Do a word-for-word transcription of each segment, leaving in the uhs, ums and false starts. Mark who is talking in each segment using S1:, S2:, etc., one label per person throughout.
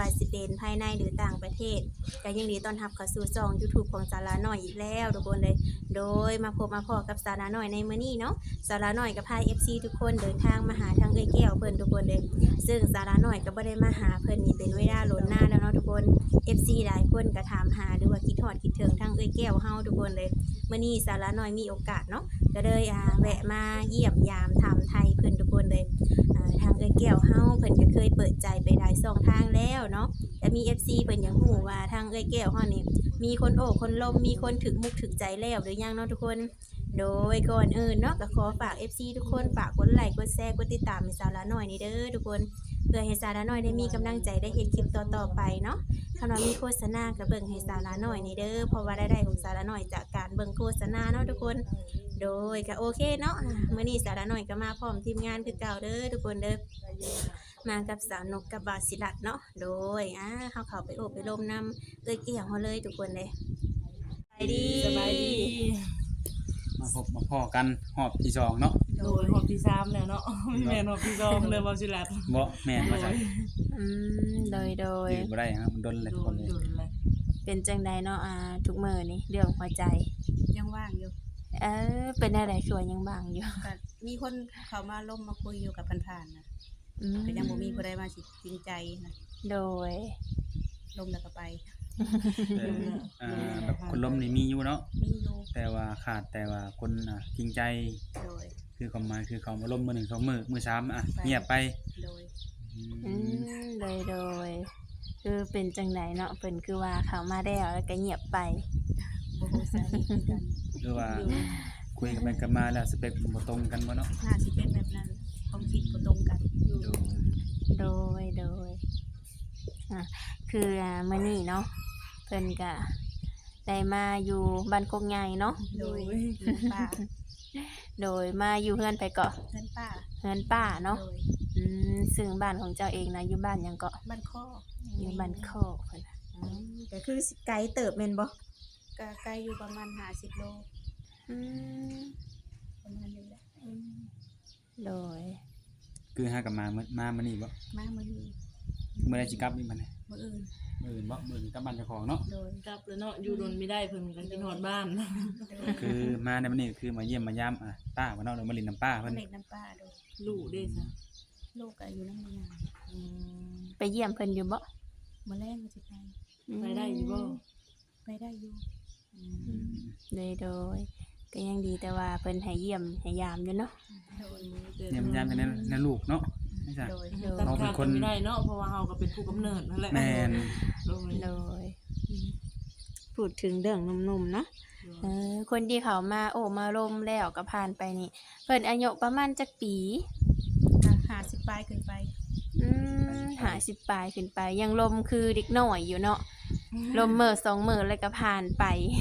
S1: ว่าสิเป็นภายในหรือต่างประเทศก็ยินดีต้อนรับเข้าสู่ช่อง YouTube ของสาระน้อยอีกแล้วทุกคนเลยโดยมาพบมาพอกับสาระน้อยในมื้อนี้เนาะสาระน้อยก็พา เอฟ ซี ทุกคนเดินทางมาหาทางเอ้ยแก้วเพิ่นทุกคนเลยซึ่งสาระน้อยก็บ่ได้มาหาเพิ่นนี่เป็นเวลาล้นหน้าแล้วเนาะทุกคน เอฟ ซี หลายคนก็ถามหาหรือว่าคิดฮอดคิดถึงทางเอ้ยแก้วเฮาทุกคนเลยมื้อนี้สาระน้อยมีโอกาสเนาะก็เลยอ่าแวะมาเยี่ยมยามถามไทยเพิ่นทุกคนเลยอ่าทางเอ้ยแก้วเฮาเพิ่นก็เคยเปิดใจไปหลายช่องทางแล้วเนาะแต่มี เอฟ ซี เพิ่นยังฮู้ว่าทางเอ้ยแก้วเฮานี่มีคนโอ้คนลมมีคนถึกมุกถึกใจแล้วหรือยังเนาะทุกคนโดยก่อนอื่นเนาะก็ขอฝาก เอฟ ซี ทุกคนฝากกดไลค์กดแชร์กดติดตามให้สาระน้อยนี่เด้อทุกคนเพื่อให้สาระน้อยได้มีกำลังใจได้เฮ็ดคลิปต่อๆไปเนาะคำว่ามีโฆษณาก็เบิ่งให้สาระน้อยนี่เด้อเพราะว่ารายได้ของสาระน้อยจากการเบิ่งโฆษณาเนาะทุกคนโดยก็โอเคเนาะมื้อนี้สาระน้อยก็มาพร้อมทีมงานคือเก่าเด้อทุกคนเด้อมากับสาวนกกับบาสิลัดเนาะโดยอ่าเฮาเข้าไปโอบไปลมนํเอ้ยเกี่ยวเฮาเลยทุกคนเด้สบายดี
S2: สบายดี
S3: มาพบมาพ่อกันหอบที่สองเนาะ
S2: โดยหอบที่สามแล้วเนาะแม่นหอบที่สองเลยบ่สิลัด
S3: บ่แม่นว่าจัง
S1: อืมโดยโดย
S3: ยืนบ่ได้ครับมันดนเลย
S2: โด
S3: คน
S2: น
S3: เลย
S2: โดนเลย
S1: เป็นจังใดเนาะอ่าทุกมื้อนี่เรื่องหัวใจ
S4: ยังว่างอยู่
S1: เออเป็นอะไรสวยยังบางอยู่
S4: ก็มีคนเขามาล่มมาคุยอยู่กับผ่านๆนะ
S1: อืม
S4: ก็ยังบ่มีผู้ใดมาสิจริงใจนะ
S1: โดย
S4: ล่มแล้วก็ไป
S3: อ่าแบบคนล้มนี่มีอยู่เนาะ
S4: มีอยู่
S3: แต่ว่าขาดแต่ว่าคนอ่ะจริงใจ
S4: โดย
S3: คือความหมายคือเขามาล้มมื้อหนึ่งสองมื้อมื้อสามอ่ะเงียบไป
S4: โดย
S3: อื
S1: อื
S3: ม
S1: มโดยโดยคือเป็นจังใดเนาะเพิ่นคือว่าเขามาแล้วแล้วก็เงียบไป
S4: บ่ฮู้สาเหตุคือกัน
S3: หรือว่าคุยกันไปกันมาแล้วสเปคบ่ตรงกันบ่เนาะ
S4: น่าสิเป็นแบบนั้นความคิดบ่ตรงกัน
S3: ดู
S1: โดยโดยอ่ะคืออ่ามื้อนี้เนาะเพิ่นก็ได้มาอยู่บ้านโคกใหญ่เนาะ
S4: โดยเพื่อนป้า
S1: โดยมาอยู่เฮือนไปเกาะ
S4: เพื่อนป้า
S1: เฮือนป้าเนาะ
S4: โดย
S1: อืมซึ่งบ้านของเจ้าเองนะอยู่บ้านหยังเกาะ
S4: บ้านข้อ
S1: อยู่บ้านโคกเพิ่นน่ะอืมก็คือสิไกลเติบแม่นบ่
S4: ก็ไกลอยู่ประมาณห้าสิบโล
S1: อืม
S4: ประมาณนี้แหละ
S1: โดย
S3: คือหากันมามื้อมามื้อนี้บ่
S4: มามื้อนี้
S3: มื้อใดสิกลับอีกมื้อนี้
S4: มื้ออื่น
S3: มื้ออื่นบ่มื้ออื่นกลับบ้านเจ้าของเนาะ
S4: โดย
S2: กลับแล้วเนาะอยู่โดนไม่ได้เพิ่นก็กินฮอดบ้าน
S4: โดย
S3: คือมาในมื้อนี้คือมาเยี่ยมมายามอ่ะป้าว่าเนาะหรือมาลินน้ำป้า
S4: มา
S3: เพิ่น
S4: เล็กน้ำป้าโดย
S2: ลูกเด้ซะ
S4: ลูกก็อยู่นำเมีย
S2: อืม
S1: ไปเยี่ยมเพิ่นอยู่บ่
S4: มื้อแรกก็สิไป
S2: ไปได้อยู่บ่
S4: ไปได้อยู่
S2: อื
S1: อื
S2: ม
S1: มโดยโดยก็ยังดีแต่ว่าเพิ่นให้เยี่ยมให้ยามอยู่เนาะ
S4: โดย
S3: เยี่ยมยามเป็นนั่นลูกเนาะไม่ใช่
S4: โดย
S1: โดย
S2: ตัด
S3: เราเป็
S2: ขาด
S3: นคน
S2: กันไม่ได้เนาะเพราะว่าเฮาก็เป็นผู้กำเนิดนั่นแหละ
S3: แม่น
S2: โดย
S1: โดยพูดถึงเรื่องหนุ่มๆเนาะเออคนที่เขามาโอ้มาลมแล้วก็ผ่านไปนี่เพิ่นอายุประมาณจักปี
S4: หาสิบปลายขึ้นไป
S1: อืมห้าสิบปลายขึ้นไป ยังลมคือเด็กน้อยอยู่เนาะลมมื้อสองมื้อแล้วก็ผ่านไป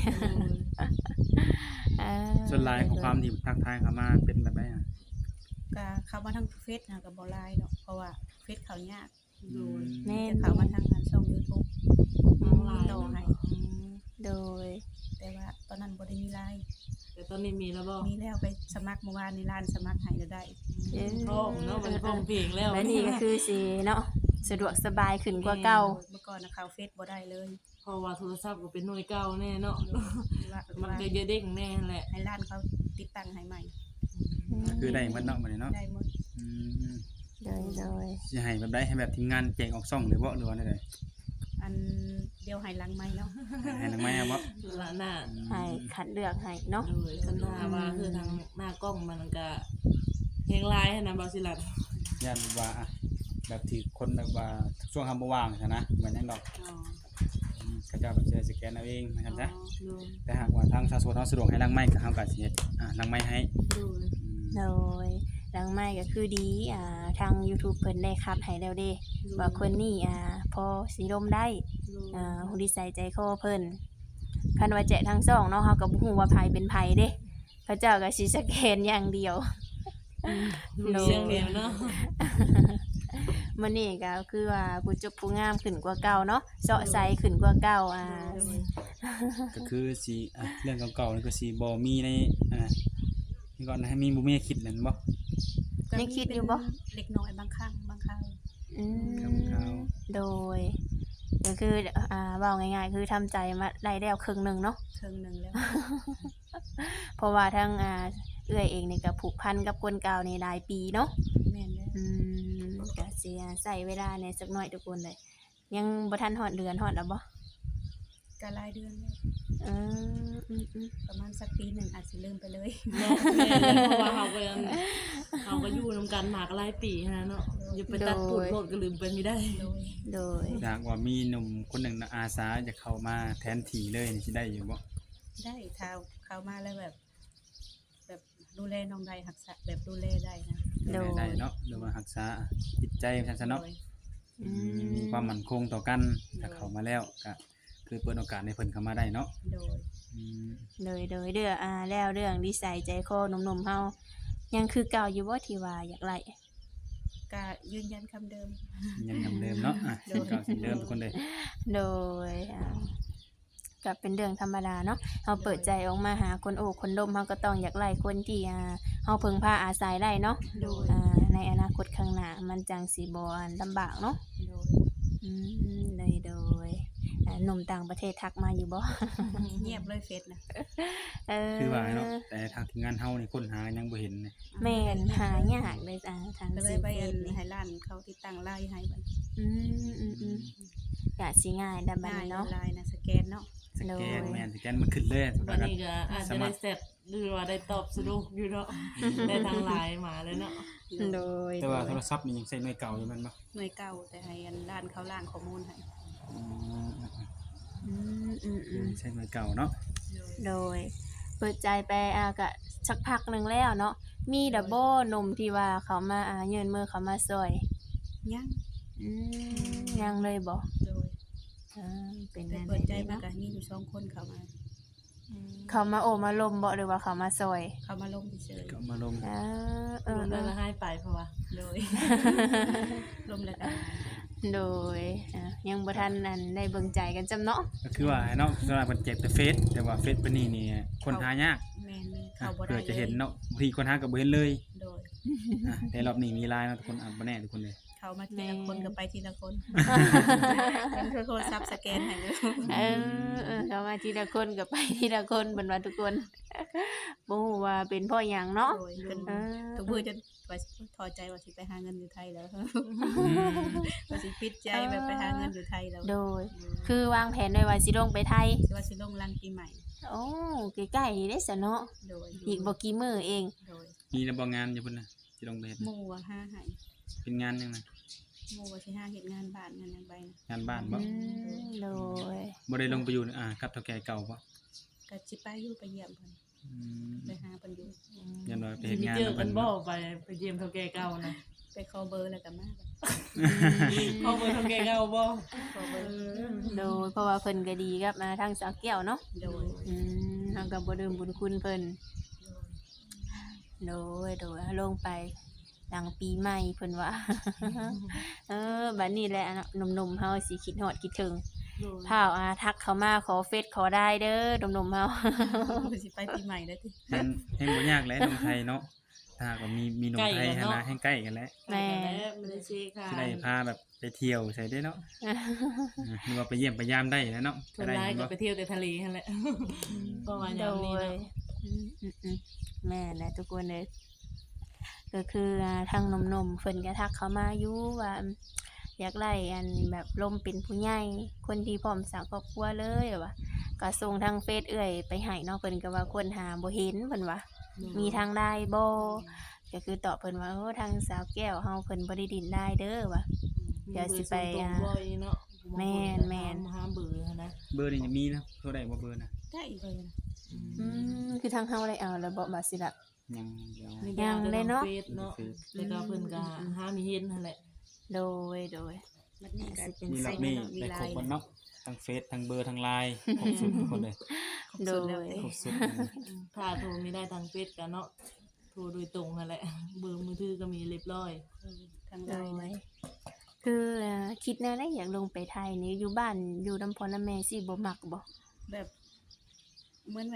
S1: เออ
S3: ส่วนลายของความที่ทักทายเขามาเป็นแบบไหนอ่ะ
S4: ก็เข้ามาทางเฟซนะกับบอไลน์เนาะเพราะว่าเฟซเขายาก
S2: โดย
S1: แม่
S4: จะ
S1: น
S4: เข้ามาทางงานช่อง YouTube
S2: น้องลาย
S4: ต่อให้
S2: อืม
S1: โดย
S4: แต่ว่าตอนนั้นบ่ได้มีไลน์
S2: แต่ตอนนี้มีแล้วบ่
S4: มีแล้วไปสมัครเมื่อวานในร้านสมัครให้แล้วได้
S1: เอ้ย
S2: พ้องเนาะมันพ้องเพลงแล้ว
S1: และนี่ก็คือสิเนาะสะดวกสบายขึ้นกว่าเก่า
S4: เมื่อก่อนนะเข้าเฟซบ่ได้เลย
S2: เพราะว่าโทรศัพท์ก็เป็นหน่วยเก่าแน่เนาะ
S4: ว่า
S2: มันก็จะเด้งแน่แหละ
S4: ให้ร้านเขาติดตั้งให้ใหม่
S3: คือได้หมันเนาะมื้อนี้เนาะ
S4: ได้หมด
S3: อืม
S1: โดยโดย
S3: สิให้แบบใดให้แบบทีมงานแจงออกซ่องหรือบ่หรือว่าได้
S4: อันเดียวให้หลังใหม่เนาะ
S3: ให้นางไม้เอาบ่
S2: ละหน้า
S1: ให้คัดเลือกให้เนาะ
S2: โดยคันหน้าว่าคือทางหน้ากล้องมันก็เพลงลายให้นะบาสิลัด
S3: ย่านว่าอ่ะแบบที่คนแบบว่าช่วงทำบ่ว่างซะนะเหมือนหยังดอก
S2: อ๋อ
S3: อืมเขาเจ้าแบบสิสแกนเอาเองนะครับจ้ะ
S2: โดย
S3: แต่หากว่าทางสาธารณสุขเฮาสะดวกให้ล้างไม้ก็เฮาก็สิเฮ็ดอ่ะล้างไม้ให้
S2: โดย
S3: อืม
S1: โดยหลังไม่ก็คือดีอ่าทาง YouTube เพิ่นได้คัดให้แล้วเด้ว่าคนนี้อ่าพอสิลมได้อ่าฮู้ดีใส่ใจคอเพิ่นคันว่าแจะทางซ่องเนาะเฮาก็บ่ฮู้ว่าไผเป็นไผเด้เขาเจ้าก็สิสแกนอย่างเดียว
S2: ดูเสียงเดียวเนาะ
S1: มื้อนี้ก็คือว่าผู้จบผู้งามขึ้นกว่าเก่าเนาะเซาะใสขึ้นกว่าเก่าอ่า
S3: ก็คือสิอ่ะเรื่องเก่าๆนี่ก็สิบ่มีในอ่านี่ก่อนให้มีบ่มีคิดนั่นบ่
S1: ยังคิดอยู่บ่
S4: เล็กน้อยบางครั้งบางคราว
S1: อื
S3: ครับครั
S1: ม
S3: บ
S1: โดยคืออ่าเว้าง่ายๆคือทำใจมาได้แล้วครึ่งหนึงเนาะ
S4: ครึ่งหนึงแล้ว
S1: เพราะว่าทั้งอ่าเอื้อยเองนี่ก็ผูกพันกับคนเก่านี่หลายปีเนาะ
S4: แม่นแล้ว
S1: อืมก็สิใช้เวลาในสักหน่อยทุกคนเลย ยังบ่ทันฮอดเดือนฮอดแล้วบ่
S4: ก็หลายเดือนแล้ว
S1: เอออืม
S4: ประมาณสักปีหนึงอาจสิลืมไปเลย
S2: เนาะแม่นเพราะว่าเฮาก็ยังเฮาก็อยู่นำกันมาก็หลายปีหั้นนะเนาะอย่าไปตัดปูดโลดก็ลืมไปไม่ได้
S4: โดย
S1: ๆโดย
S3: จากว่ามีหนุ่มคนหนึ่งน่ะอาสาจะเข้ามาแทนที่เลยนี่สิได้อยู่บ่
S4: ได้ถ้าเข้ามาแล้วแบบ แบบดูแลน้องได้รักษาแบบดูแลได้นะ
S3: ดูแลได้เนาะหรือว่ารักษาจิตใจซั่นซะเนาะ
S4: โดย
S1: อืม
S3: มีความมั่นคงต่อกันถ้าเข้ามาแล้วก็คือเปิดโอกาสให้เพิ่นเข้ามาได้เนาะ
S4: โดย
S3: อืม
S1: โดยโดยเด้ออ่าแล้วเรื่องนิสัยใจคอหนุ่มๆเฮายังคือเก่าอยู่บ่ที่ว่าอยากไล่
S4: ก็ยืนยันคำเดิม
S3: ยังเหมือนเดิมเนาะอ่ะสิ่งเก่าสิ่งเดิมทุกคนเลย
S1: โดยอ่าก็เป็นเรื่องธรรมดาเนาะเฮาเปิดใจออกมาหาคนโอ้คนดมเฮาก็ต้องอยากไล่คนที่อ่าเฮาพึ่งพาอาศัยได้เนาะ
S4: โดย
S1: อ่าในอนาคตข้างหน้ามันจังสิบ่อันลำบากเนาะ
S4: โดย
S1: อืมเลยโดยอ่าหนุ่มต่างประเทศทักมาอยู่บ่
S4: เงียบเลยเฟซนะ
S1: เออ
S3: คือว่าเนาะแต่ทางทีมงานเฮานี่ค้นหายังบ่เห็นเนี่ย
S1: แม่นหายากเลยอ่าทาง
S4: ก็เล
S1: ซี
S4: ยไป
S1: เฟ
S4: อั
S1: ส
S4: น
S1: นี่
S4: ให้ร้านเขาติดตั้งไลน์ให้บัด
S1: อืมอืมอืมก็สิง่ายดับบัด
S4: ง่าย
S1: นี้เนาะ
S4: ไลน์นะสแกนเนาะ
S3: สแกน
S1: โดย
S3: แม่นสแกนมันขึ้นเลย
S2: วันนี้ก็อาจจะได้เสร็จหรือว่าได้ตอบสรุปอยู่เนาะได้ทางไลน์มาเลยเนาะ
S1: โดย
S3: แต่ว่าโทรศัพท์นี่ยังใช้หน่วยเก่าอยู่แมันบ่
S4: หน่วยเก่าแต่ให้อันร้านเขาล่างข้อมูลให้
S3: อืม
S1: อืมอืมอืม
S3: ใช้หน่วยเก่าเนาะ
S1: โดยเปิดใจไปอ่าก็สักพักหนึงแล้วเนาะมีดับเบิลหนุ่มที่ว่าเขามาอ่ายื่นมือเขามาซอย
S4: ยัง
S1: อืมยังเลยบ่
S4: โดย
S1: อ่าเป็น
S4: แต่
S1: แน่น
S4: เปิดใจ
S1: ดี
S4: มา
S1: เนาะ
S4: ก็มีอยู่สองคนเข้ามา
S1: เขามาโอมาลมบ่หรือว่าเขามาซอย
S4: เขามาลงเฉย
S3: ก็มาลง
S1: อ่าเอ
S2: ร
S1: อ
S2: วม
S1: เอ
S2: แล้ว
S1: อ
S2: ละให้ไปเพราะว่า
S4: ๆโดย ลมแล้วกัน
S1: โดยอ่ะยังบ่ทันนั่นได้เบิ่งใจกันจำเนาะ
S3: ก็คือว่าเนาะสำหรับเพิ่นเจ็บแต่เฟซแต่ว่าเฟซเพิ่นนี่นี่คนหายาก
S4: แม่นเลย
S3: อ่ะ
S4: เขาบ่ได้
S3: เพื่อจะเห็น
S4: ลย
S3: เนาะบางทีคนหาก็บ่เห็นเลย
S4: โดย
S3: อ่ะแต่รอบนี้มีไลน์เนาะทุกคนอ่ะบ่แน่ทุกคนเลย
S4: เขามาทีละคนก็ไปทีละคนเป็นโทรศัพท์สแกนให้เลย
S1: เออเออเขามาทีละคนก็ไปทีละคนเบิ่นว่าทุกคน บ่ฮู้ว่าเป็นเพ่อหยังเนาะ
S4: โดยเป็น
S1: เออ
S4: ทุกมือจนว่าพอใจว่าสิไปหาเงินอยู่ไทยแล้ว ว่าสิปิดใจแบบไปหาเงินอยู่ไทยแล้ว
S1: โดย คือวางแผนไว้ว่าสิลงไปไทย
S4: สิว่าสิลงรังปีใหม่
S1: โอ้ใกล้ๆเด้ซะเนาะ
S4: โดย
S1: อีกบ่กี่มื้อเอง
S4: โดย
S3: มีระบบงานอยู่พุ่นน่ะสิลงไปเฮ็ด
S4: หมู่ว่าห้าให้
S3: เป็นงานยังไง
S4: หมู่ว่าสิห้าเฮ็ดงานบ้านงานหยังไปนะ
S3: งานบ้านบ่
S1: อืมโดย
S3: บ่ได้ลงไปอยู่อ่ากับเฒ่าแก่เก่าบ่
S4: ก็สิไปอยู่ไปเยี่ยมเพิ่น
S3: อืม
S4: ไปหาเพิ่นอยู่
S3: ยันว่าไป
S2: สิ
S3: เฮ็ด
S2: ไป
S3: งาน
S2: เจอ
S3: กับ
S2: กั
S3: เพิ่
S2: น
S3: น
S2: บ่
S3: บ่
S2: ไปไปเยี่ยมเท่าแก่เก่านะ
S4: ไปขอเบอร์แล้วก็มาบัด
S2: เข้าไปเท่าแก่เก่าบ่
S4: ขอเบอร์
S1: โดยเพราะว่าเพิ่นก็ดีกับมาทางสาวแก้วเนาะ
S4: โดย
S1: อืมเฮาก็บ่ลืมบุญคุณเพิ่น โดยโดยลงไปหลังปีใหม่เพิ่นว่า เออบัดนี้แหละเนาะหนุ่มๆเฮาสิคิดฮอดคิดถึงพาวอาทักเข้ามาขอเฟซขอได้เด้อหนุ่มๆเฮา
S4: โดยสิไปปีใหม่แล้วติ
S3: แฮงแฮงบ่ยากแหล้หนุ่มไทยเนาะถ้าหากว่ามีมีหนุ่มไทยหั่นน่ะแฮงใกล้กันแล้ว
S1: แม่
S2: ไม่ได้เช็คค่ะ
S3: สิได้พาแบบไปเที่ยวใส่ได้เนาะอ่าหรือว่าไปเยี่ยมไปยามได้แล้วเนาะ
S2: ส่วนร้ายก็ไปเที่ยวแต่ทะเลนั่นแหละประมาณ
S1: โด
S2: นี้
S1: ย
S2: เนาะ
S1: อืมอืมอืมแม่นแหละทุกคนเลยก็คืออ่าทางหนุ่มๆเพิ่นก็ทักเข้ามาอยู่ว่าอยากไล่อันแบบลมเป็นผู้ใหญ่คนที่พร้อมสร้างครอบครัวเลยว่าก็ส่งทางเฟซเอื้อยไปให้เนาะเพิ่นก็ว่าคนหาบ่เห็นเพิ่นว่า มีทางได้บ่ก็คือตอบเพิ่นว่าโอ้ทางสาวแก้วเฮาเพิ่นบ่ได้ดินได้เด้อว่ะ เดี๋ยวสิไปอ่า
S2: บ่อยเนาะ
S1: แม่นแม่น
S2: หาเบื่อนะ
S3: เบอร์นี่จะมีนะโทรได้บ่เบอร์น่ะ
S4: ได้อีกเลยนะ
S1: อืมคือทางเฮาได้เอาแล้วบ่มาสิล่ะ
S3: ยังเดี๋ยว
S1: ยังเลยเนาะ
S2: เฟซเนาะแล้วก็เพิ่นก็หามีเห็นนั่นแหละ
S1: โดยโดย
S4: บัดนี้ก็
S1: สิเป็น
S3: มีร
S1: ไซ
S3: อบ
S1: ส์
S3: นี้
S4: มี
S3: ได้
S4: ไล
S3: ครบ
S4: น์
S3: หมดเนาะทั้งเฟซทั้งเบอร์ทั้งไลน์ครบสุดทุกคนเลย
S4: ครบสุดแล้ว
S1: โดย
S3: ครบสุด
S2: ถ้าโทรไม่ได้ทางเฟซกันเนาะโทรโดยตรงนั่นแหละเบอร์มือถือก็มีเรียบร้อย
S4: ทาง
S1: โด
S4: ไลน์
S1: ย
S4: นะ
S1: คืออ่าคิดแนวได้อยากลงไปไทยนี่อยู่บ้านอยู่นำพ่อนำแม่สิบ่มักบ่
S4: แบบเหมือนแบบ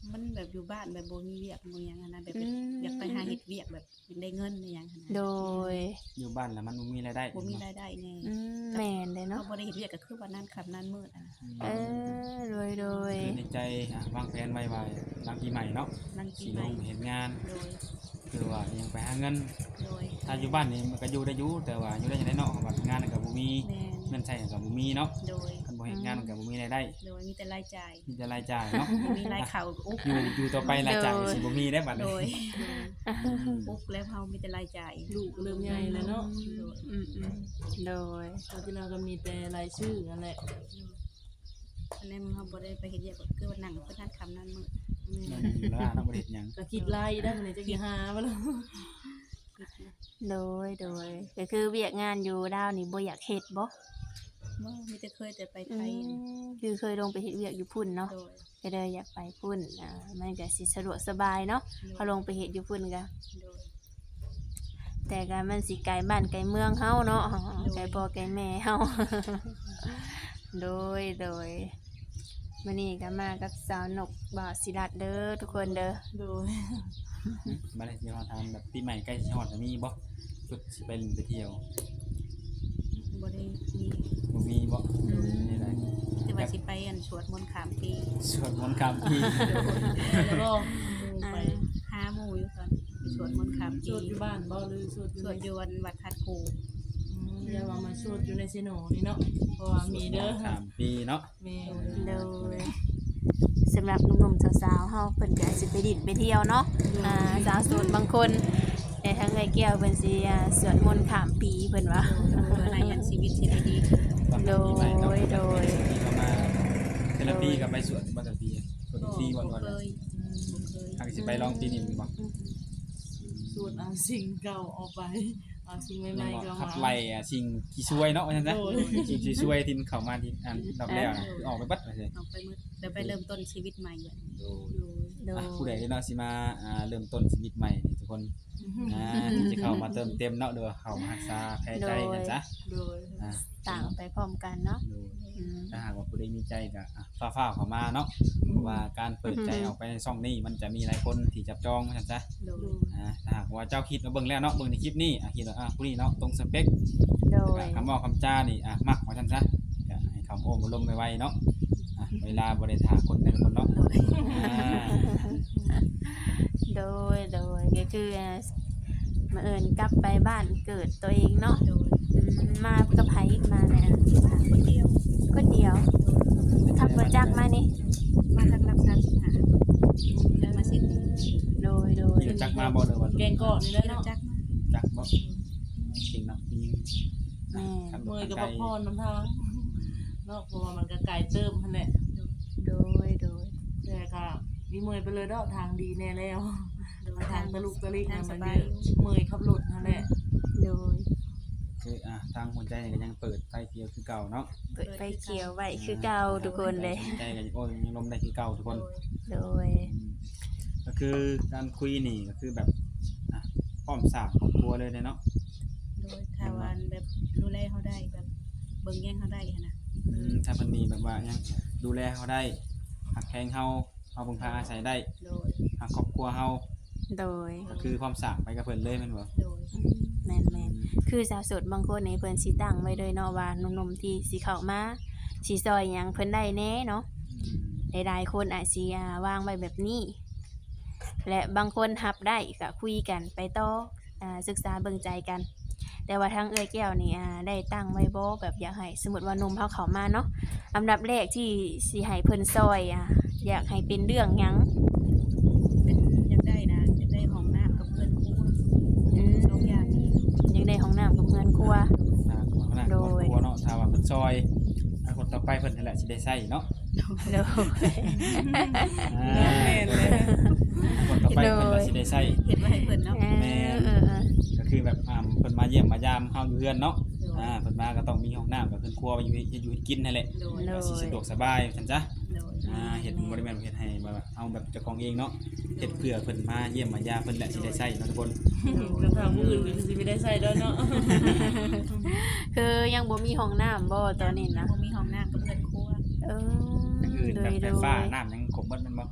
S4: มันแบบอยู่บ้านแบบบ่มีเวียกบ่หยังหั้นนะแบบ
S1: อืม
S4: อยากไปหาเฮ็ดเวียกแบบอยากได้เงินในหยังหั้นนะ
S1: โดย
S3: อยู่บ้านแล้วมันบ่มีรายได้
S4: บ่มีรายได้แน่
S1: อืมแม่นเลย
S4: เนาะ
S1: เนาะ
S4: บ่ได้เฮ็ดเวียกก็คือว่านั่นค่ำนั่นมืดอะนะ
S1: เออโดยโดย
S3: คือในใจอ่ะวางแผนไว้ว่าหลังปีใหม่เนาะ
S4: นั่งกิ
S3: สิ
S4: น
S3: ล
S4: ไป
S3: งเฮ็ดงาน
S4: โดย
S3: คือว่ายังไปหาเงิน
S4: โดย
S3: ถ้าอยู่บ้านนี่มันก็อยู่ได้อยู่แต่ว่าอยู่ได้จังได๋เนาะว่างานก็บ่มี
S4: แม่น
S3: เงินใช้ก็บ่มีเนาะ
S4: โดย
S3: คันบ่เฮ็ดงานมันก็บ่มีรายได้
S4: โดยมีแต่รายจ่าย
S3: มีแต่รายจ่ายเนาะ
S4: บ่มีรายเข้าอุ๊บ
S3: อยู่อยู่ต่อไปรายจ่ายก็สิบ่มีได้บัด
S4: โด
S3: นี้
S4: ย
S3: อืม
S4: อุ๊บแล้วเฮามีแต่รายจ่าย
S2: ลูกเริ่มใหญ่แล้วเนาะ
S4: โดย
S1: อืมอืมโดย
S2: ตอนที่เราก็มีแต่รายชื่อนั่นแหละ
S4: อันนี้เฮาบ่ได้ไปเฮ็ดเวียกก็คือว่านั่งเพิ่นนั่นค่ำนั่นมืด
S3: นั่นอยู่แล้วเนาะบ่ได้เฮ็ดหยัง
S2: ก็คิดไล่ได้มันจะกี่หาบ่ล่ะ
S1: โดยโดยก็คือเวียกงานอยู่ดาวนี่บ่อยากเฮ็ดบ่
S4: บ่มีแต่เคยแต่ไปไท
S1: อื
S4: ย
S1: มคือเคยลงไปเฮ็ดเวียกอยู่พุ่นเนาะ
S4: โดย
S1: ก็เลยอยากไปพุ่นอ่ามันก็สิสะดวกสบายเนาะพอลงไปเฮ็ดอยู่พุ่นก็
S4: โดย
S1: แต่ก็มันสิไกลบ้านไกลเมืองเฮาเนาะไกลพ่อไกลแม่เฮา โดยโดยมื้อนี้ก็มากับสาวนกบ่าวศิรัตน์เด้อทุกคนเด้อ
S2: โดย
S3: บ่ได้สิมาทำแบบปีใหม่ใกล้สิฮอดแล้วมีบ่สุดสิไปเล่นไปเที่ยว
S4: บ่ได้มี
S3: บ่มีบ่นี่แหละ
S4: แต่ว่าสิไปอันสวดมนต์ข้ามปี
S3: สวดมนต์ข้ามปี
S2: แล้วก็หมู่ไป
S4: หาหมู่อยู่ตอนไปสวดมนต์ข้าม
S2: ส
S4: ปี
S2: วดอยู่บ้านบ่หรือสวดอยู่
S4: สวด
S2: ใน
S4: อยู่วันวัดคัดกู
S2: อืมอย่าว่ามาสวดอยู่ในเซโนนี่เนาะเพราะว่ามีเด้อ
S3: ข้ามปีเนาะ
S2: แม่
S1: โดยสำหรับหนุ่มๆสาวๆเฮาเพิ่นก็สิไปดินไปเที่ยวเนาะอ่าสาวโสดบางคนแต่ทางไอ้แก้วเพิ่นสิอ่าสวดมนต์ข้ามปีเพิ่นว่า
S4: เพื่อให้อันชีวิตสิได้ดีขึ้น
S3: ตอนปีใหม่เนาะ
S1: โดยโดย
S3: ปีก็มาเทอราปีก็ไปสวดบ่แต่ปีสวดทุกปีวัน
S4: บ่
S3: วัน
S4: เคยบ่เคย
S3: หากสิไปลองปีนี้มีบ่
S2: สวดเอาสิ่งเก่าออกไปเอาสิ่งให
S3: ยั
S2: ม่
S3: ง
S2: ๆ
S3: บ่
S2: เข้า
S3: ขับ
S2: มา
S3: ไล่อ่ะสิ่งที่ช่วยเนาะว่าซั่นซะ
S2: โดย
S3: สิ่งที่ช่วยที่เข้ามาที่อันดอกแล้วนะคือออกไปเบัดว่าซั่น
S4: ออกไปมืดเดี๋ยวไปเริ่มต้นชีวิตใหม่เลย
S3: โดย
S1: โดย
S3: อ่ะผู้ใดเนาะสิมาอ่าเริ่มต้นชีวิตใหม่นี่ทุกคนอ่าที่จะเข้ามาเติมเต็มเนาะเด้อเข้ามารักษาแพ้ใจกันซะ
S2: โดย
S3: อ่า
S1: ต่างไปพร้อมกันเนาะ
S3: โดย
S1: อืม
S3: ถ้าหากว่าผู้ใดมีใจก็อ่ะฟ้าวๆเข้ามาเนาะเพราะว่าการเปิดใจออกไปในช่องนี้มันจะมีหลายคนที่จับจองว่าซั่นซะ
S4: โดย
S3: อ่าถ้าหากว่าเจ้าคิดมาเบิ่งแล้วเนาะเบิ่งในคลิปนี้อ่ะคิดว่าอ่ะผู้นี้เนาะตรงสเปค
S1: โด
S3: แล้ว
S1: ย
S3: ก็คำเว้าคำจานี่อ่ะมักว่าซั่นซะก็ให้คำโอ้บ่ลมไวๆเนาะอ่ะเวลาบ่ได้ท่าคนแต่ละคนเนาะอ่า
S1: โดยโดยก็คืออ่ามาเอิญกลับไปบ้านเกิดตัวเองเนาะ
S4: โดย
S1: อืมมากับไผมาเนี่ย
S4: มาคนเดียว
S1: คนเดียวขับรถจักรมานี่
S4: มาทางรักษาสินหาแล้วมาสิ้น
S1: โดยโดย
S3: เดี๋ยวจักมาบ่เด้อว่า
S2: แกงเกาะนี่แหละ
S4: เรา
S2: เนาะ
S4: จักมา
S3: จักบ่จริงเนาะจริง
S1: แม่
S3: ขับร
S2: เมื่
S3: ถ
S2: อยกับ
S3: ไกล
S2: พักผ่อนน้ำทางเนาะเพราะว่ามันก็ไกลเติมหั่นแหละ
S1: โดยโดย
S2: แต่ก็มีเมื่อยไปเลยเนาะทางดีแน่แล้ว
S4: โดย
S2: มาทางตะลุกตะลิก
S4: ทาง
S2: น่ะ
S4: ส
S2: มัน
S4: บา
S2: เย
S4: ย
S2: อะเมื่อยขับรถนั่นแหละ
S1: โดย
S3: คืออ่ะทางหัวใจนี่ก็ยังเปิดไฟเขียวคือเก่าเนาะ
S1: เปิดไฟเขียวไว้คือเก่าทุกคนเลย
S3: หัวใจก็โอ้ยยังลมได้คือเก่าทุกคน
S1: โดย
S3: อืมก็คือการคุยนี่ก็คือแบบอ่ะพร้อมสร้างครอบครัวเลยเนาะ
S4: โดยถ้าวันแบบดูแลเขาได้แบบเบิ่งแย่งเขาได้หั้นนะ
S3: อืมถ้าเพิ่นมีแบบว่ายังดูแลเขาได้หักแพงเฮาเฮาพึ่งพาอาศัยได้
S4: โดย
S3: หักครอบครัวเฮา
S1: โดย
S3: ก็คือความสร้างไปกับเพิ่นเลยแม่นบ่
S4: โดย
S1: แม่นแม่นคือสาวโสดบางคนในเพิ่นสิตั้งไว้เลยเนาะว่าหนุ่มๆที่สิเข้ามาสิซอยหยังเพิ่นได้แน่เนาะ
S3: อืม
S1: หลายๆคนอาจสิอ่าวางไว้แบบนี้ และบางคนรับได้ก็คุยกันไปต่ออ่าศึกษาเบิ่งใจกัน แต่ว่าทางเอื้อยแก้วนี่อ่าได้ตั้งไว้บ่แบบอยากให้สมมุติว่าหนุ่มเฮาเข้ามาเนาะอันดับแรกที่สิให้เพิ่นซอยอ่ะอยากให้เป็นเรื่องหยัง
S4: เป็นอยากได้นะอยากได้ห้องน้ำกับเพื่อนครัว
S1: อืม
S4: สองอย่างนี้
S1: อยากได้ห้องน้ำกับเรือนครัว
S3: ถ้าคนข้างหน้า
S1: โด
S3: ครอบ
S1: ย
S3: ครัวเนาะถ้าว่าเพิ่นซอยถ้าคนต่อไปเพิ่นนั่นแหละสิได้ใช้เนาะ
S1: โดย
S3: อ่าคนต่อไปเพิ่นก็สิได้ใช้
S4: เห็นว่าให้เพื่อนเนาะ
S1: เออ
S3: แม่น
S1: เออเออ
S3: ก็คือแบบอ่าเพิ่นมาเยี่ยมมายามเฮาอยู่เฮือนเนาะ
S4: โดย
S3: อ่าเพิ่นมาก็ต้องมีห้องน้ำกับเพิ่นครัวไว้อยู่ให้อยู่ให้กินนั่นแหละ
S4: โดย
S1: โด
S3: ก็
S1: ย
S3: สิสะดวกสบายซั่นจ้ะ
S4: โดย
S3: อ่าเฮ็ดบ่ได้แม่นเฮ็ดให้แบบว่าเอาแบบเจ้าของเองเนาะเฮ็ดเพื่อเพิ่นมาเยี่ยมมายามเพิ่นแหละสิได้ใช้เนาะทุกคน
S2: ก็ทางผู้อื่นก็สิไม่ได้ใส่ด้วยเนาะ
S1: คือยังบ่มีห้องน้ำบ่ตอนนี้นะ
S4: บ่มีห้องน้ำกับเพื่อนครัว
S1: เออ
S3: อย่างอื่น
S1: โด
S3: แบบ
S1: ย
S3: ไฟ
S1: โด
S3: ฟ้าย น้ำยังครบเบิดแม่นบ่
S4: ไฟ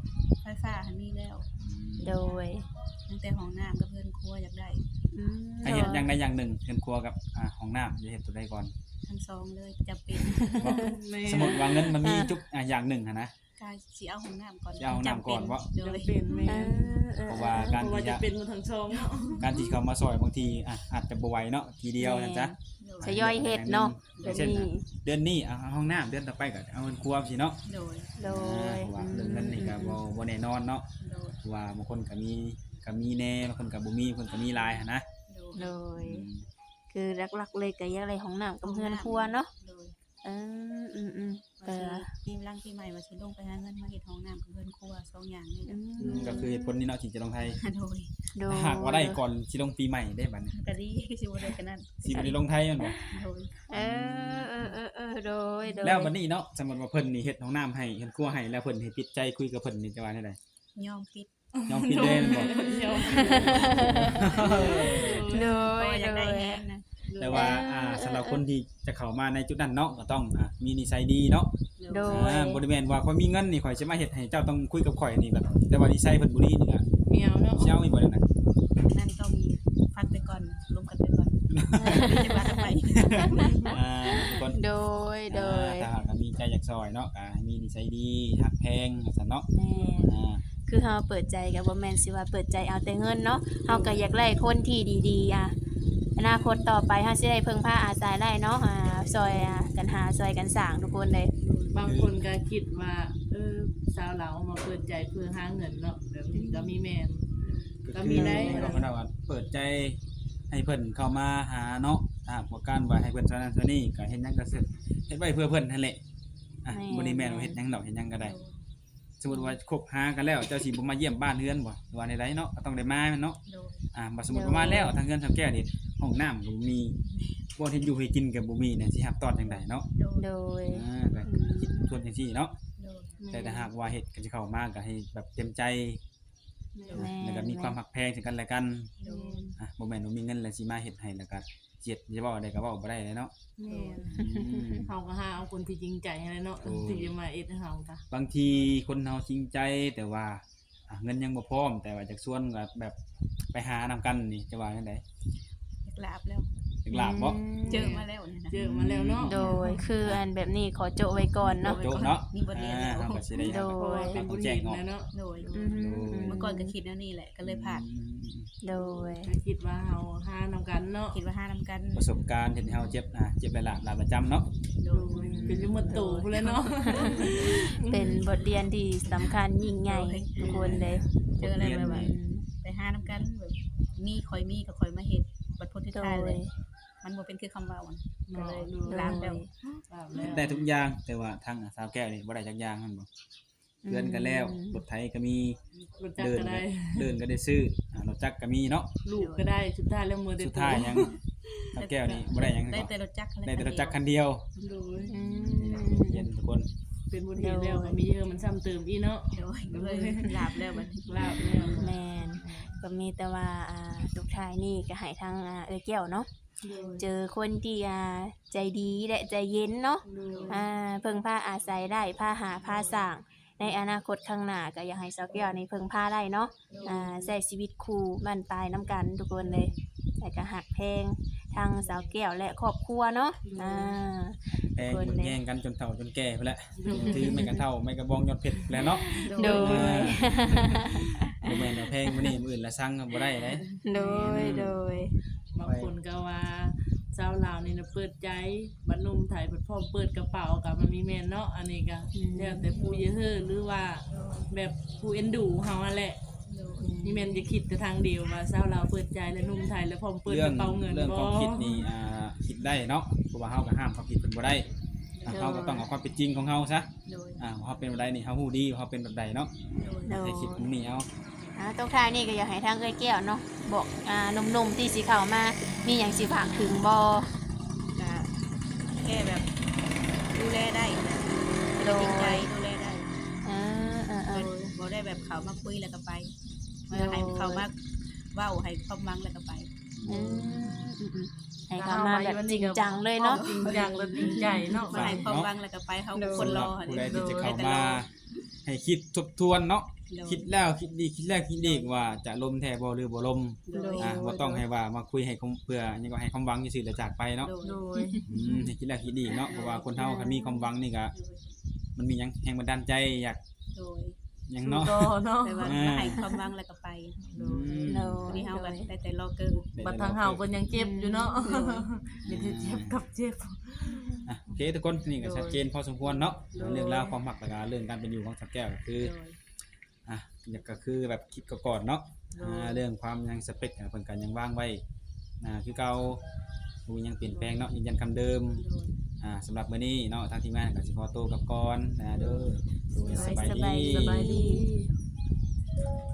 S4: ฟ้าหันมีแล้ว
S1: โดย
S4: ตั้งแต่ห้องน้ำกับเพื่อนครัวอยากได้
S1: อืม
S3: ถ้าเฮ็ดอย่างใดอย่างหนึ่งเฮือนครัวกับอ่าห้องน้ำจะเฮ็ดตัวใดก่อน
S4: ทั้งสองเลยจำเป็น
S2: แม่
S3: สมมุติว่าเงินมันมีจุกอ่าอย่างหนึ่งหันนะ
S4: กายสิเอาห้องน้ำก่อน
S3: สิเอาห้องน้ำก่อนบ่
S4: โด
S2: จำ
S4: ย
S2: เป็นแม่
S1: เออเออ
S3: เพราะว่าการ
S2: เพราะว่า
S3: ที่
S2: จะ
S3: จะ
S2: เป็นหมดทั้งช่องเนาะ
S3: การที่เขามาซอยบางทีอ่ะอาจจะบ่ไหวเนาะทีเดียวนั่นจ้ะ
S4: โดย
S1: ทยอยเฮ็ดเนาะ
S3: อ
S1: เดี๋
S3: ย่าย ง
S1: ว
S3: เช่น
S1: นี้
S3: อ่ะเดือนนี้เอาห้องน้ำเดือนต่อไปก็เอาเงินครัวสิเนาะ
S4: โดย
S1: โด
S3: อ่าย เพราะว่าเรื่องเงินนี่ก็บ่บ่แน่นอนเนาะ
S4: โดย
S3: เพราะว่าบางคนก็มีก็มีแน่บางคนก็บ่มีบางคนก็มีหลายหันนะ
S4: โดย
S1: โดย
S3: อืม
S1: คือหลักๆเลยก็อยากได้ห้องน้ำกับเฮือนครัวเนาะ
S4: โดย
S1: เอออืมอืม
S4: ว่า
S1: ก็
S4: สิปีมลังปีใหม่ว่าสิลงไปหาเงินมาเฮ็ดห้องน้ำกับเพื่อนครัวสองอย่างนี่
S1: อื
S4: นะ
S1: ม
S3: ก็คือเหตุผลนี้เนาะที่จะลงไทย
S4: โดย
S1: โดย
S3: ถ้าหากว่าได้ก่อนสิลงปีใหม่ได้บัดนี้
S4: ก็ดีสิบ่ได้กันนั้น
S3: สิบ่ได้ลงไทยแม่นบ่
S4: โดย
S1: เออเออเออเออโดยโดย
S3: แล้วบัดนี้เนาะสมมุติว่าเพิ่นนี่เฮ็ดห้องน้ำให้เฮ็ดครัวให้แล้วเพิ่นให้ปิดใจคุยกับเพิ่นนี่จะว่าได้ได
S4: ยอมปิด
S3: ยอมปิดได้แม่นบ่
S2: เดี๋ยว
S1: โด
S4: เพราะ
S1: ย
S4: ว่าอยาก
S1: โด
S4: ได้
S1: ย
S4: แฮงนะ
S3: แต่ว่าอ่าสำหรับคนที่จะเข้ามาในจุดนั้นเนาะก็ต้องอ่ามีนิสัยดีเนาะ
S1: โดย
S3: อ่าบ่ได้แม่นว่าข่อยมีเงินนี่ข่อยสิมาเฮ็ดให้เจ้าต้องคุยกับข่อยนี่แบบแต่ว่านิสัยเพิ่นบ่ดีนี่ก็
S2: เมียวเนาะ
S3: สิเอาอีกบ่ได้นะ
S4: นั่นต้องฟังไปก่อนรวมกันไปก่อนจะว่ากันไป
S3: อ่าทุกคน
S1: โดยโดย
S3: อ่าถ้าหากว่ามีใจอยากซอยเนาะก็ให้มีนิสัยดีฮักแพงซั่นเนาะ
S1: แม่
S3: อ่า
S1: คือเฮาเปิดใจกับบ่แม่นสิว่าเปิดใจเอาแต่เงินเนาะเฮาก็อยากได้คนที่ดีๆอ่ะอนาคตต่อไปเฮาสิได้พึ่งพาอาศัยได้เนาะอ่าซอยอ่ะกันหาซอยกันสร้างทุกคนเลย
S2: บางคนก็คิดว่าเออสาวเราเอามาเปิดใจเพื่อหาเงินเนาะแบบนี้ก็มีแม่น ก็มีได้
S3: เราก็ได้ว่าเปิดใจให้เพิ่นเข้ามาหาเนาะถ้าหากว่าการว่าให้เพิ่นสนับสนุนนี่ก็เฮ็ดหยังก็สึกเฮ็ดไว้เพื่อเพิ่นนั่นแหละอ่ะบ่ได้แม่นว่าเฮ็ดหยังดอกเฮ็ดหยังก็ได้ สมมุติว่าคบหากันแล้วเจ้าสิบ่มาเยี่ยมบ้านเฮือนบ่หรือว่าใดๆเนาะก็ต้องได้มาแม่นเนาะ
S4: โดย
S3: อ่าบ่สมมุติว่ามาแล้วทางเฮือนทางแก้นี่ห้องน้ำก็บ่มีบ่ที่อยู่ให้กินก็บ่มีเนี่ยสิรับตอนจังไดเนาะ
S4: โดย
S1: โดย
S3: อ่าก็คิดส่วนจังซี่เนาะ
S4: โดย
S3: แต่ถ้าหากว่าเฮ็ดก็สิเข้ามาก็ให้แบบเต็มใจ
S1: แม่
S3: แล้วก็มีความรักแพงซึ่งกันและกัน
S4: โดย
S3: อ่ะบ่แม่นว่ามีเงินแล้วสิมาเฮ็ดให้แล้วก็เจ็ดจะเว้าได้ก็เว้าบ่ได้เลยเนาะ
S2: แม่น
S3: อืม
S2: เฮาก็หาเอาคนที่จริงใจให้เนาะ
S3: โอ้
S2: ที่จะมาเอ็ดให้เฮาจ้ะ
S3: บางทีคนเฮาจริงใจแต่ว่าอ่ะเงินยังบ่พร้อมแต่ว่าจากส่วนก็แบบไปหานำกันนี่จะว่าจังได๋
S4: อยากลาบแล้ว
S3: ถึงลาบบ่
S4: เจอมาแล้วเนี่ยนะ
S2: เจอมาแล้วเนาะ
S1: โดยคืออันแบบนี้ขอโจะไว้ก่อนเนาะ
S3: โจ๊ะเนาะ
S4: มีบทเรียนแล้ว
S3: อ่าเฮาก็สิได้
S1: โดย
S2: เพราะว่าเป็น
S3: ต้
S2: บุ
S3: อง
S2: ญ
S3: แจ้ง
S2: หิน
S3: ออก
S2: นะเนาะ
S4: โดย
S1: อืม
S4: เมื่อก่อนก็คิดแนวนี้แหละก็เลยผ่าน
S3: อืม
S1: โดย
S2: ก็คิดว่าเฮาหานำกันเนาะ
S4: คิดว่าห้านำกัน
S3: ประสบการณ์เฮ็ดให้เฮาเจ็บอ่ะเจ็บหลายๆหลายประจำเนาะ
S4: โด
S2: โด
S4: ย
S2: ยเป็นอยู่หมดตู่พุ่นเลยเนาะ
S1: เป็นบทเรียนที่สำคัญยิ่งใหญ่ทุกคนเลย
S4: เจออะไรแบบ
S1: อื
S4: ว่าม ไปห้านำกันแบบมีคอยมีก็คอยมาเฮ็ดบัดพ้นที่
S1: โด
S4: ท้ายเลย
S1: ย
S4: มันบ่เป็นคือคำเว้าอะก็
S2: เนาะ
S4: เลย
S2: ดู
S4: ลามแล้ว
S2: ลามแล้ว
S3: ได้ทุกอย่างแต่ว่าทางอ่ะสาวแก้วนี่บ่ได้จักอย่างมันบ่เพื่อนกันแล้วรถไถก็มี
S2: รู้จัก
S3: เดิน
S2: ก็
S3: ก็
S2: ได้
S3: เดินก็ได้ซื้ออ่ารถจักรก็มีเนาะ
S2: ลูกก็ได้สุดท้ายแล้วมือเด็
S3: สุดท้ายยังสาวแก้วนี่บ่ได้หยัง
S4: ได้
S3: เนาะ
S4: แต่รถจักร
S3: ได้แต่รถจักรคันเดียว
S2: โดย
S1: อื
S3: นี่นะ
S1: ม
S3: เย็นทุกคน
S2: เป็นบุญเห็นแล้วก็มีเยอะมันซ้ำเติมอีเนาะ
S4: โดยก็เลยลาบแล้วบัดนี้
S2: ลาบแล้ว
S1: แมนก็มีแต่ว่าอ่าลูกชายนี่ก็ให้ทางอ่าเอ้ยแก้วเนาะ
S2: โดย
S1: เจอคนที่อ่าใจดีและใจเย็นเนาะ
S2: โดย
S1: อ่าเพิ่งพาอาศัยได้พาหาพาสร้างในอนาคตข้างหน้าก็อยากให้สาวแก้วนี่เพิ่งพาได้เนาะอ่าใช้ชีวิตคู่บ้านปลายน้ำกันทุกคนเลยแต่ก็หักแพงทางสาวแก้วและครอบครัวเนาะอ่า
S3: แพงเบิ่งแย่งกันจนเฒ่าจนแก่ไปแล้วถือไม่กระเท่าไม่กระบองยอดเพชรแล้วเนาะ
S1: โดย
S3: บ่แม่นว่าแพงมื้อนี้มื้ออื่นละสั่งก็บ่ได้เด้
S1: โดยโดย
S2: บางคนก็ว่าสาวลาวนี่นะเปิดใจบัดหนุ่มไทยเปิดพร้อมเปิดกระเป๋ากับมันมีแม่นเนาะอันนี้ก็แล้วแต่ผู้เยอะเฮ้อหรือว่าแบบผู้เอ็นดูเฮานั่นแหละนี่แม่นจะคิดแต่ทางเดียวว่าสาวลาวเปิดใจและหนุ่มไทยแล้วพร้อมเปิด
S3: เรื่
S2: กระเป๋าเงิน
S3: เรื่อง
S2: บ่
S3: ความคิดนี่อ่าคิดได้เนาะเพราะว่าเฮาก็ห้ามความคิดเพิ่นบ่ได้อ่ะเฮาก็ต้องเอาความเป็นจริงของเฮาซะ
S4: โดย
S3: อ่าว่าเฮาเป็นแบบใดนี่เฮาฮู้ดีว่าเฮาเป็นแบบใดเนาะ
S4: โดย
S1: โดย
S3: ให้คิดตรงนี้เอา
S1: อ่าตรงท้ายนี่ก็อยากให้ทางเอ้ยแก้วเนาะบอกอ่าหนุ่มๆที่สิเข้ามามีหยังสิฝากถึงบ่
S4: ก็แค่แบบดูแลได้นะ
S1: โด
S4: จริงใจ
S1: ย
S4: ดูแลได้
S1: อ่าอ่า
S4: บ่
S1: อ่า
S4: บ่ได้แบบเขามาคุยแล้วก็ไป
S1: โดย
S4: ให้เขามาเว้าให้ความหวังแล้วก็ไป
S1: อืมอืมอืมให้เข้ามาแบบจริงจังเลยเนาะ
S2: จริงจังและจริงใจเนาะ
S4: มาให้ความหวังแล้วก็ไปเขาคนรอ
S3: ผู้ใดที่จะเข้ามาให้ให้คิดทบทวนเนาะ
S4: โดย
S3: คิดแล้วคิดดีคิดแล้วคิดอีกว่าจะลมแท้บ่หรือบ่ลม
S4: โดย
S3: อ่าบ่ต้องให้ว่ามาคุยให้คมเพื่อหยังก็ให้ความหวังซื่อๆแล้วจากไปเนาะ
S4: โดย
S2: โดย
S3: อืมให้คิดแล้วคิดอีกเนาะเพราะว่าคนเฮาคันมีความหวังนี่ก็มันมีหยังแรงบันดาลใจอยาก
S4: โดย
S3: หยังเนาะ
S2: ก็เนาะ
S4: แต่ว่า
S3: อ่า
S4: ก็ให้ความหวังแล้วก็ไป
S2: โด
S3: อื
S2: ย
S3: ม
S1: โด
S4: วัน
S1: ย
S4: นี้เฮาก็ได้แต่รอเกิด
S2: บัดทางเฮาเพิ่นยังเจ็บอยู่เนาะ
S4: โดย
S2: มีแต่เจ็บกับเจ็บ
S3: อ่ะโอเคทุกคนนี่ก็ชัดเจนพอสมควรเนาะ
S2: โดย
S3: เรื่องราวความรักแล้วก็เรื่องการเป็นอยู่ของสักแก้วก็คือ
S4: โดย
S3: อ่ะก็คือแบบคิดก่อนๆเนาะอ่าเรื่องความยังสเปคเพิ่นก็ยังวางไว้อ่าคือเก่าบ่มีหยังเปลี่ยนแปลงเนาะยืนยันคำเดิม
S4: โดย
S3: อ่าสำหรับมื้อนี้เนาะทางทีมงานก็สิขอตัวกลับก่อนนะเด้อโดยสบาย
S1: สบาย
S3: ดี
S1: ดี
S2: สบายดี